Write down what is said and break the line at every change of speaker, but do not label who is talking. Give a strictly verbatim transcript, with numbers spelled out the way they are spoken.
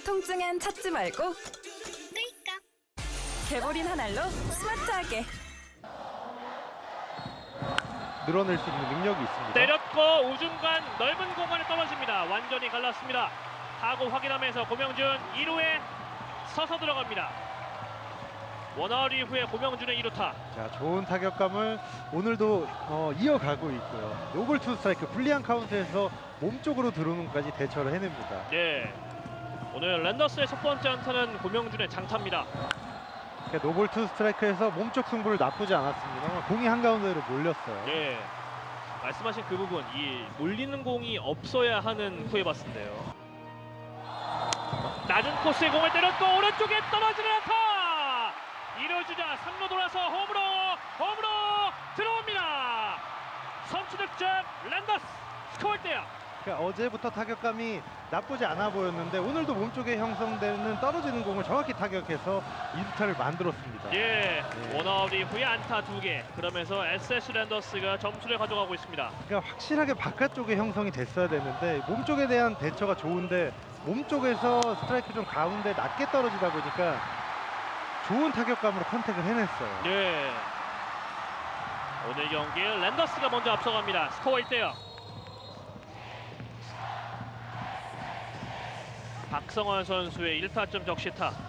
통증엔 찾지 말고
끌까?
개보린 한 알로 스마트하게.
늘어낼 수 있는 능력이 있습니다.
때렸고 우중간 넓은 공간에 떨어집니다. 완전히 갈랐습니다. 타구 확인하면서 고명준 일 루에 서서 들어갑니다. 원아웃 이후에 고명준의 이 루타.
자, 좋은 타격감을 오늘도 어, 이어가고 있고요. 노볼 투 스트라이크 불리한 카운트에서 몸쪽으로 들어오는 것까지 대처를 해냅니다.
네. 오늘 랜더스의 첫 번째 안타는 고명준의 장타입니다.
그러니까 노볼 투 스트라이크에서 몸쪽 승부를 나쁘지 않았습니다. 공이 한가운데로 몰렸어요.
네. 말씀하신 그 부분, 이 몰리는 공이 없어야 하는 후에봤인데요. 낮은 코스에 공을 때렸고 오른쪽에 떨어지는 안타. 이루어주자 삼 루 돌아서 홈으로 홈으로 들어옵니다. 선취 득점 랜더스. 스코어 일 대 영.
그러니까 어제부터 타격감이 나쁘지 않아 보였는데 오늘도 몸쪽에 형성되는 떨어지는 공을 정확히 타격해서 이 루타를 만들었습니다.
예,
네.
원아웃 이후에 안타 두 개. 그러면서 에스에스 랜더스가 점수를 가져가고 있습니다.
그러니까 확실하게 바깥쪽에 형성이 됐어야 되는데 몸쪽에 대한 대처가 좋은데 몸쪽에서 스트라이크 좀 가운데 낮게 떨어지다 보니까 좋은 타격감으로 컨택을 해냈어요.
예. 오늘 경기 랜더스가 먼저 앞서갑니다. 스코어 일 대 영. 박성환 선수의 일 타점 적시타.